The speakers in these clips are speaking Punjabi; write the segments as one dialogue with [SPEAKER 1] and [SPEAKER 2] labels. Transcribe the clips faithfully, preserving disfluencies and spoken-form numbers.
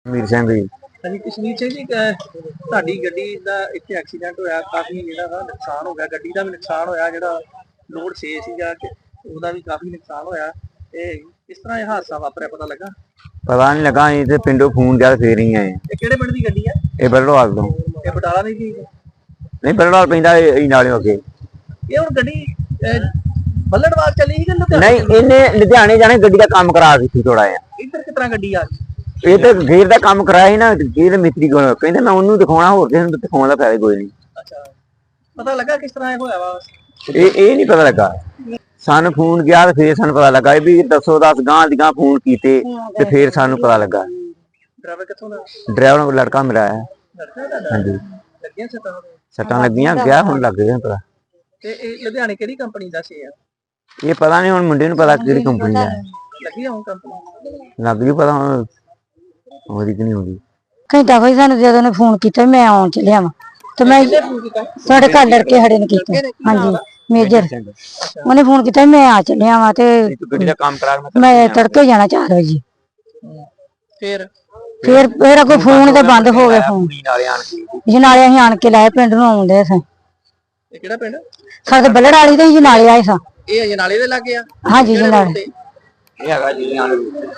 [SPEAKER 1] मीर सिंह जी।
[SPEAKER 2] ਹਾਂਜੀ ਕਸ਼ਮੀਰ ਸਿੰਘ ਜੀ ਅਹ ਤੁਹਾਡੀ ਗੱਡੀ ਦਾ ਇੱਥੇ ਐਕਸੀਡੈਂਟ ਹੋਇਆ, ਕਾਫੀ ਜਿਹੜਾ ਵਾ ਨੁਕਸਾਨ ਹੋ ਗਿਆ, ਗੱਡੀ ਦਾ ਵੀ ਨੁਕਸਾਨ ਹੋਇਆ, ਜਿਹੜਾ ਲੋਡ ਛੇ ਸੀਗਾ ਕਿ ਉਹਦਾ ਵੀ ਕਾਫੀ ਨੁਕਸਾਨ ਹੋਇਆ। ਇਹ ਕਿਸ ਤਰ੍ਹਾਂ ਇਹ ਹਾਦਸਾ ਵਾਪਰਿਆ ਪਤਾ ਲੱਗਾ?
[SPEAKER 1] पता नहीं लगा अं तो पिंडों फोन किया फिर ही आए।
[SPEAKER 2] ਇਹ ਕਿਹੜੇ ਪਿੰਡ ਦੀ ਗੱਡੀ ਆ?
[SPEAKER 1] ये बरड़वाल तो
[SPEAKER 2] ਇਹ ਬਟਾਲਾ ਦੀ ਸੀ?
[SPEAKER 1] नहीं बरड़वाल पैंदा नाले अगे।
[SPEAKER 2] ਇਹ ਹੁਣ ਗੱਡੀ ਅਹ, ਬੱਲੜਵਾਲ चली ਸੀ कि लुधियाने?
[SPEAKER 1] नहीं इन्हें लुधियाने जाने गड्डी का काम करा दी थी थोड़ा जिहा।
[SPEAKER 2] ਇੱਧਰ ਕਿਸ ਤਰ੍ਹਾਂ ਗੱਡੀ ਆ ਗਈ?
[SPEAKER 1] ये तो गेर का काम कराया ही ना, गेर मिस्त्री को कहते मैं उन्होंने दिखाना होर किसी को दिखाने का फायदा कोई नहीं।
[SPEAKER 2] ਅੱਛਾ ਪਤਾ ਲੱਗਾ ਕਿਸ ਤਰ੍ਹਾਂ ਇਹ ਹੋਇਆ ਵਾ?
[SPEAKER 1] ये ये नहीं पता लगा। सानू फोन किया तो फिर सानू पता लगा भी दसो दस गांह दी गांह फोन कीते ते फिर सानू पता लगा।
[SPEAKER 2] ड्राइवर कित्थों दा?
[SPEAKER 1] ड्राइवर को लड़का मेरा है।
[SPEAKER 2] लड़का दा?
[SPEAKER 1] हाँ जी
[SPEAKER 2] ਲੱਗੀਆਂ ਸੱਟਾਂ?
[SPEAKER 1] सट्टां लगियां गया हुण लग गया पता।
[SPEAKER 2] ਤੇ ਇਹ ਲੁਧਿਆਣੇ ਕਿਹੜੀ ਕੰਪਨੀ ਦਾ ਸੀ?
[SPEAKER 1] ये पता नहीं हुण मुंडे नूं पता किहड़ी कंपनी दा है।
[SPEAKER 2] ਲੱਗੀ ਹੁਣ ਕੰਪਨੀ?
[SPEAKER 1] लग गई पता हुण होदी कि नहीं होदी।
[SPEAKER 3] ਘੰਟਾ ਕੋਈ ਸਾਨੂੰ ਜਦੋਂ ਨੇ ਫੋਨ ਕੀਤਾ ਮੈਂ ਆਉਣ ਚੱਲਿਆ ਵਾਂ ਤੇ ਮੈਂ ਸਾਡੇ ਘਰ ਲੜਕੇ ਖੜੇ ਨੇ ਕੀਤਾ। ਹਾਂਜੀ ਮੇਜਰ ਉਹਨੇ ਫੋਨ ਕੀਤਾ ਮੈਂ ਆ ਚੱਲਿਆ ਵਾਂ ਤੇ
[SPEAKER 1] ਗੱਡੀ ਦਾ ਕੰਮ ਕਰਾ ਕੇ
[SPEAKER 3] ਮੈਂ ਤੜਕੇ ਜਾਣਾ ਚਾਰ ਵਜੇ।
[SPEAKER 2] ਫਿਰ
[SPEAKER 3] ਫਿਰ ਫਿਰ ਅੱਗੋਂ ਫੋਨ ਤੇ ਬੰਦ ਹੋ ਗਿਆ ਫੋਨ।
[SPEAKER 1] ਨਾਲੇ ਆਣ ਕੇ
[SPEAKER 3] ਜਨਾਲੇ ਅਸੀਂ ਆਣ ਕੇ ਲਾਏ ਪਿੰਡ ਨੂੰ ਆਉਂਦੇ ਸਾਂ।
[SPEAKER 2] ਇਹ ਕਿਹੜਾ ਪਿੰਡ?
[SPEAKER 3] ਸਾਡੇ ਬੱਲੜ ਵਾਲੀ ਤੇ ਜਨਾਲੇ ਆਏ ਸਾਂ।
[SPEAKER 2] ਇਹ ਅਜਨਾਲੇ ਦੇ ਲੱਗੇ ਆ?
[SPEAKER 3] ਹਾਂਜੀ ਜਨਾਲੇ
[SPEAKER 1] ਇਹ ਹੈਗਾ ਜੀ ਆਣ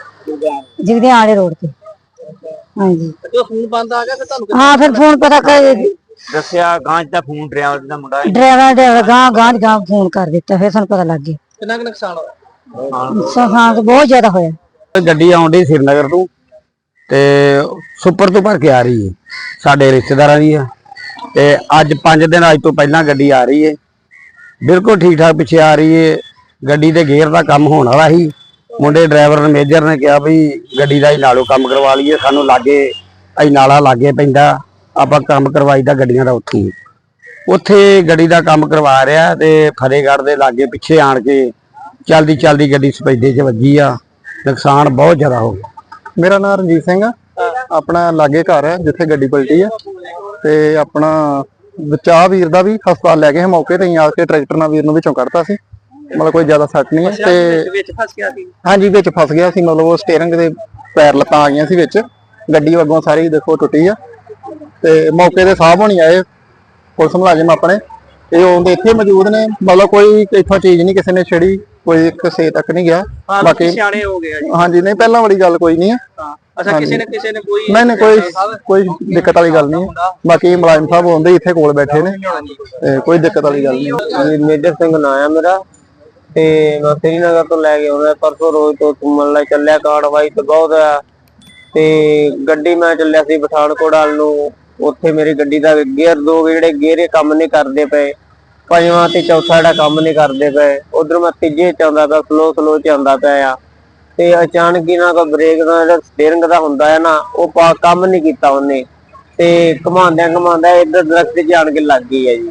[SPEAKER 3] ਜਿਗਦੇ ਆਲੇ ਰੋਡ ਤੇ। ਹਾਂਜੀ
[SPEAKER 2] ਜਦੋਂ ਫੋਨ ਬੰਦ ਆ ਗਿਆ ਫਿਰ ਤੁਹਾਨੂੰ
[SPEAKER 3] ਹਾਂ ਫਿਰ ਫੋਨ ਪਤਾ ਕਰ
[SPEAKER 1] ਦੱਸਿਆ ਗਾਂ ਦਾ ਫੋਨ ਡਰਾਈਵਰ ਦਾ ਮੁੰਡਾ
[SPEAKER 3] ਡਰਾਈਵਰ ਡਰਾਈਵਰ ਗਾਂ ਗਾਂ ਗਾਂ ਫੋਨ ਕਰ ਦਿੱਤਾ ਫਿਰ ਸਾਨੂੰ ਪਤਾ ਲੱਗ ਗਿਆ।
[SPEAKER 2] ਕਿੰਨਾ ਕੁ ਨੁਕਸਾਨ ਹੋਇਆ?
[SPEAKER 3] ਨੁਕਸਾਨ ਬਹੁਤ ਜ਼ਿਆਦਾ ਹੋਇਆ।
[SPEAKER 1] ਗੱਡੀ ਆਉਂਦੀ ਸ਼੍ਰੀਨਗਰ ਤੋਂ ਤੇ ਸੁਪਰ ਤੋਂ ਭਰ ਕੇ ਆ ਰਹੀ ਹੈ, ਸਾਡੇ ਰਿਸ਼ਤੇਦਾਰਾਂ ਦੀ ਆ ਤੇ ਅੱਜ ਪੰਜ ਦਿਨ ਅੱਜ ਤੋਂ ਪਹਿਲਾਂ ਗੱਡੀ ਆ ਰਹੀ ਹੈ, ਬਿਲਕੁਲ ਠੀਕ ਠਾਕ ਪਿੱਛੇ ਆ ਰਹੀ ਹੈ। ਗੱਡੀ ਦੇ ਗੇਅਰ ਦਾ ਕੰਮ ਹੋਣ ਵਾਲਾ ਸੀ, ਮੁੰਡੇ ਡਰਾਈਵਰ ਨੇ ਮੇਜਰ ਨੇ ਕਿਹਾ ਵੀ ਗੱਡੀ ਦਾ ਹੀ ਨਾਲੋਂ ਕੰਮ ਕਰਵਾ ਲਈਏ, ਸਾਨੂੰ ਲਾਗੇ ਅਸੀਂ ਨਾਲਾ ਲਾਗੇ ਪੈਂਦਾ ਆਪਾਂ ਕੰਮ ਕਰਵਾਈਦਾ ਗੱਡੀਆਂ ਦਾ ਉੱਥੇ ਉੱਥੇ ਗੱਡੀ ਦਾ ਕੰਮ ਕਰਵਾ ਰਿਹਾ ਤੇ ਫਤਿਹਗੜ੍ਹ ਦੇ ਲਾਗੇ ਪਿੱਛੇ ਆਣ ਕੇ ਚਲਦੀ ਚਲਦੀ ਗੱਡੀ ਸਪੈਦੇ 'ਚ ਵੱਜੀ ਆ, ਨੁਕਸਾਨ ਬਹੁਤ ਜ਼ਿਆਦਾ ਹੋ ਗਿਆ।
[SPEAKER 4] ਮੇਰਾ ਨਾਮ ਰਣਜੀਤ ਸਿੰਘ ਆ, ਆਪਣਾ ਲਾਗੇ ਘਰ ਹੈ ਜਿੱਥੇ ਗੱਡੀ ਪਲਟੀ ਆ ਤੇ ਆਪਣਾ ਬਚਾਅ ਵੀਰ ਦਾ ਵੀ ਹਸਪਤਾਲ ਲੈ ਗਏ ਮੌਕੇ ਤੇ ਆ ਕੇ ਟਰੈਕਟਰ ਨਾਲ ਵੀਰ ਨੂੰ ਵਿੱਚੋਂ ਕੱਢਤਾ ਸੀ, ਮਤਲਬ ਕੋਈ ਜ਼ਿਆਦਾ ਸੱਟ ਨਹੀਂ ਹੈ ਤੇ
[SPEAKER 2] ਵਿੱਚ ਫਸ ਗਿਆ ਸੀ?
[SPEAKER 4] ਹਾਂਜੀ ਵਿੱਚ ਫਸ ਗਿਆ ਸੀ, ਮਤਲਬ ਉਹ ਸਟੀਅਰਿੰਗ ਦੇ ਪੈਰ ਲੱਤਾਂ ਆ ਗਈਆਂ ਸੀ ਵਿੱਚ, ਗੱਡੀ ਅੱਗੋਂ ਸਾਰੀ ਦੇਖੋ ਟੁੱਟੀ ਆ ਤੇ ਮੌਕੇ ਤੇ ਸਾਹਿਬ ਹੋਣੀ ਆਏ ਪੁਲਿਸ ਮੁਲਾਜ਼ਮ ਆਪਣੇ, ਇਹ ਉਹਦੇ ਇੱਥੇ ਮੌਜੂਦ ਨੇ, ਮਤਲਬ ਕੋਈ ਇੱਥੋਂ ਚੀਜ਼ ਨਹੀਂ ਕਿਸੇ ਨੇ ਛੇੜੀ, ਕੋਈ ਕਿਸੇ ਤੱਕ ਨਹੀਂ ਗਿਆ।
[SPEAKER 2] ਬਾਕੀ ਸਿਆਣੇ ਹੋ ਗਏ ਜੀ?
[SPEAKER 4] ਹਾਂਜੀ ਨਹੀਂ ਪਹਿਲਾਂ ਵਾਲੀ ਗੱਲ ਕੋਈ ਨਹੀਂ ਹੈ।
[SPEAKER 2] ਅੱਛਾ ਕਿਸੇ ਨੇ ਕਿਸੇ ਨੇ ਕੋਈ
[SPEAKER 4] ਨਹੀਂ ਨਹੀਂ ਕੋਈ ਕੋਈ ਦਿੱਕਤ ਵਾਲੀ ਗੱਲ ਨਹੀਂ, ਬਾਕੀ ਮੁਲਾਜ਼ਮ ਸਾਹਿਬ ਹੁੰਦੇ ਇੱਥੇ ਕੋਲ ਬੈਠੇ ਨੇ ਤੇ ਕੋਈ ਦਿੱਕਤ ਵਾਲੀ ਗੱਲ ਨਹੀਂ।
[SPEAKER 1] ਮੇਜਰ ਸਿੰਘ ਨਾਂ ਆ ਮੇਰਾ ਤੇ ਮੈਂ ਸ਼੍ਰੀਨਗਰ ਤੋਂ ਲੈ ਕੇ ਆਉਂਦਾ ਪਰਸੋਂ ਰੋਜ਼ ਤੋਂ ਘੁੰਮਣ ਲਈ ਚੱਲਿਆ, ਕਾਰਵਾਈ ਤੇ ਬਹੁਤ ਆ ਤੇ ਗੱਡੀ ਮੈਂ ਚੱਲਿਆ ਸੀ ਪਠਾਨਕੋਟ ਵੱਲ ਨੂੰ, ਉੱਥੇ ਮੇਰੀ ਗੱਡੀ ਦਾ ਗੇਅਰ ਦੋ ਜਿਹੜੇ ਗੇਅਰੇ ਕੰਮ ਨਹੀਂ ਕਰਦੇ ਪਏ, ਪੰਜਵਾਂ ਤੇ ਚੌਥਾ ਜਿਹੜਾ ਕੰਮ ਨਹੀਂ ਕਰਦੇ ਪਏ, ਉਧਰ ਮੈਂ ਤੀਜੇ ਚ ਆਉਂਦਾ ਪਿਆ, ਸਲੋ ਸਲੋ ਚ ਆਉਂਦਾ ਪਿਆ ਆ ਤੇ ਅਚਾਨਕ ਹੀ ਨਾ ਕੋਈ ਬ੍ਰੇਕ ਦਾ ਜਿਹੜਾ ਸਟੀਅਰਿੰਗ ਦਾ ਹੁੰਦਾ ਹੈ ਨਾ ਉਹ ਕੰਮ ਨਹੀਂ ਕੀਤਾ ਉਹਨੇ ਤੇ ਘੁਮਾਉਂਦਿਆਂ ਘੁਮਾਉਂਦਾ ਇੱਧਰ ਦਰਖਤ 'ਚ ਆਣ ਕੇ ਲੱਗ ਗਈ ਹੈ ਜੀ।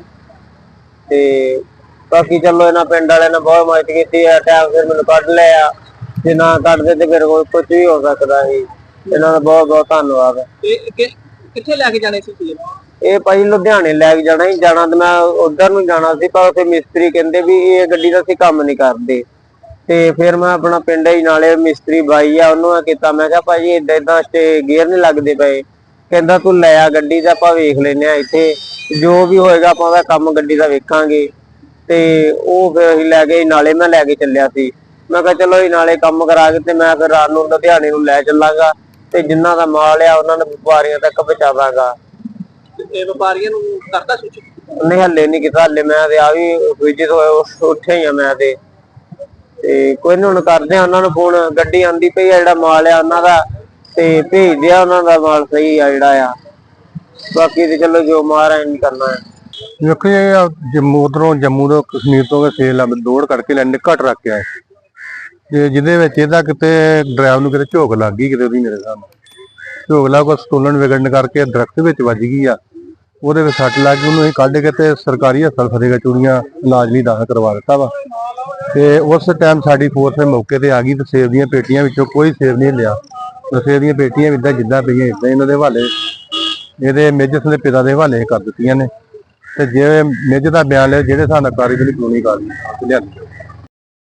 [SPEAKER 1] ਤੇ ਬਾਕੀ ਚਲੋ ਇਹਨਾਂ ਪਿੰਡ ਵਾਲਿਆਂ ਨੇ ਬਹੁਤ ਮਦਦ ਕੀਤੀ ਆ, ਟਾਈਮ ਫਿਰ ਮੈਨੂੰ ਕੱਢ ਲਿਆ, ਜੇ ਨਾ ਕੱਢਦੇ ਤੇ ਫਿਰ ਕੁਝ ਵੀ ਹੋ ਸਕਦਾ ਸੀ। ਇਹਨਾਂ ਦਾ ਬਹੁਤ ਬਹੁਤ ਧੰਨਵਾਦ।
[SPEAKER 2] ਕਿੱਥੇ ਲੈ ਕੇ ਜਾਣੇ ਸੀ?
[SPEAKER 1] ਇਹ ਭਾਈ ਲੁਧਿਆਣੇ ਲੈ ਕੇ ਜਾਣਾ ਹੀ ਜਾਣਾ ਤੇ ਮੈਂ ਉਧਰ ਨੂੰ ਜਾਣਾ ਸੀ, ਪਰ ਉੱਥੇ ਮਿਸਤਰੀ ਕਹਿੰਦੇ ਵੀ ਇਹ ਗੱਡੀ ਦਾ ਅਸੀਂ ਕੰਮ ਨਹੀਂ ਕਰਦੇ ਤੇ ਫਿਰ ਮੈਂ ਆਪਣਾ ਪਿੰਡ ਹੀ ਨਾਲੇ ਮਿਸਤਰੀ ਬਾਈ ਆ ਉਹਨੂੰ ਕੀਤਾ, ਮੈਂ ਕਿਹਾ ਭਾਜੀ ਏਦਾਂ ਏਦਾਂ ਤੇ ਗੇਅਰ ਨਹੀਂ ਲੱਗਦੇ ਪਏ, ਕਹਿੰਦਾ ਤੂੰ ਲੈ ਆ ਗੱਡੀ ਦਾ ਆਪਾਂ ਵੇਖ ਲੈਨੇ ਆ ਇੱਥੇ ਜੋ ਵੀ ਹੋਏਗਾ ਆਪਾਂ ਉਹਦਾ ਕੰਮ ਗੱਡੀ ਦਾ ਵੇਖਾਂਗੇ ਤੇ ਉਹ ਫਿਰ ਅਸੀਂ ਲੈ ਗਏ ਨਾਲੇ, ਮੈਂ ਲੈ ਕੇ ਚੱਲਿਆ ਸੀ, ਮੈਂ ਕਿਹਾ ਚਲੋ ਇਹ ਨਾਲੇ ਕੰਮ ਕਰਾ ਕੇ ਤੇ ਮੈਂ ਫਿਰ ਰਾਤ ਨੂੰ ਲੁਧਿਆਣੇ ਨੂੰ ਲੈ ਚੱਲਾਂਗਾ ਤੇ ਜਿੰਨਾ ਦਾ ਮਾਲ ਆ ਉਹਨਾਂ ਨੂੰ ਵਪਾਰੀਆਂ ਤੱਕ ਪਹੁੰਚਾਵਾਂਗਾ।
[SPEAKER 2] ਇਹ ਵਪਾਰੀਆਂ ਨੂੰ ਕਰਦਾ ਸੂਚਿਤ?
[SPEAKER 1] ਨਹੀਂ ਹੱਲੇ ਨਹੀਂ ਕੀਤਾ, ਹੱਲੇ ਮੈਂ ਤੇ ਆ ਵੀ ਵਿਜਿਟ ਹੋਇਆ ਉੱਠਿਆ ਹੀ ਆ ਮੈਂ ਤੇ ਤੇ ਕੋਈ ਨਹੀਂ ਹੁਣ ਕਰਦੇ ਆ ਉਹਨਾਂ ਨੂੰ ਫੋਨ, ਗੱਡੀ ਆਂਦੀ ਪਈ ਆ, ਜਿਹੜਾ ਮਾਲ ਆ ਉਹਨਾਂ ਦਾ ਤੇ ਭੇਜਦੇ ਆ ਉਹਨਾਂ ਦਾ ਮਾਲ ਸਹੀ ਆ ਜਿਹੜਾ ਆ, ਬਾਕੀ ਤੇ ਚਲੋ ਜੋ ਮਾਰਾ ਨਹੀਂ ਕਰਨਾ ਹੈ।
[SPEAKER 4] ਦੇਖੋ ਇਹ ਜੰਮੂ ਉਧਰੋਂ ਜੰਮੂ ਤੋਂ ਕਸ਼ਮੀਰ ਤੋਂ ਸੇਲ ਦੌੜ ਕਰਕੇ ਲੈਣੇ ਘੱਟ ਰੱਖ ਕੇ ਆਏ ਤੇ ਜਿਹਦੇ ਵਿੱਚ ਇਹਦਾ ਕਿਤੇ ਡਰਾਈਵਰ ਨੂੰ ਕਿਤੇ ਝੋਕ ਲੱਗ ਗਈ, ਕਿਤੇ ਉਹਦੀ ਮੇਰੇ ਸਾਹਮਣੇ ਝੋਕ ਲੱਗ ਕੋ ਸਟੋਲਨ ਵਿਗੜਨ ਕਰਕੇ ਦਰਖਤ ਵਿੱਚ ਵੱਜ ਗਈ ਆ, ਉਹਦੇ ਵਿੱਚ ਸੱਟ ਲੱਗ ਗਈ, ਉਹਨੂੰ ਅਸੀਂ ਕੱਢ ਕੇ ਤੇ ਸਰਕਾਰੀ ਹਸਪਤਾਲ ਫਤਿਹਗੜ੍ਹ ਚੂੜੀਆਂ ਇਲਾਜ ਲਈ ਦਾਖਲ ਕਰਵਾ ਦਿੱਤਾ ਵਾ ਤੇ ਉਸ ਟਾਈਮ ਸਾਡੀ ਫੋਰਸ ਮੌਕੇ ਤੇ ਆ ਗਈ ਤੇ ਸੇਬ ਦੀਆਂ ਪੇਟੀਆਂ ਵਿੱਚੋਂ ਕੋਈ ਸੇਬ ਨਹੀਂ ਲਿਆ, ਸੇਬ ਦੀਆਂ ਪੇਟੀਆਂ ਇਦਾਂ ਜਿੱਦਾਂ ਪਈਆਂ ਇਦਾਂ ਇਹਨਾਂ ਦੇ ਹਵਾਲੇ, ਇਹਦੇ ਮੇਜਰ ਦੇ ਪਿਤਾ ਦੇ ਹਵਾਲੇ ਕਰ ਦਿੱਤੀਆਂ ਨੇ ਤੇ ਜੇ ਮੇਜਰ ਦਾ ਬਿਆਨ ਲਿਆ ਜਿਹੜੇ ਹਿਸਾਬ ਨਾਲ ਕਾਰਵਾਈ ਕਾਨੂੰਨੀ ਕਾਰਵਾਈ ਲਿਆਂਦੀ।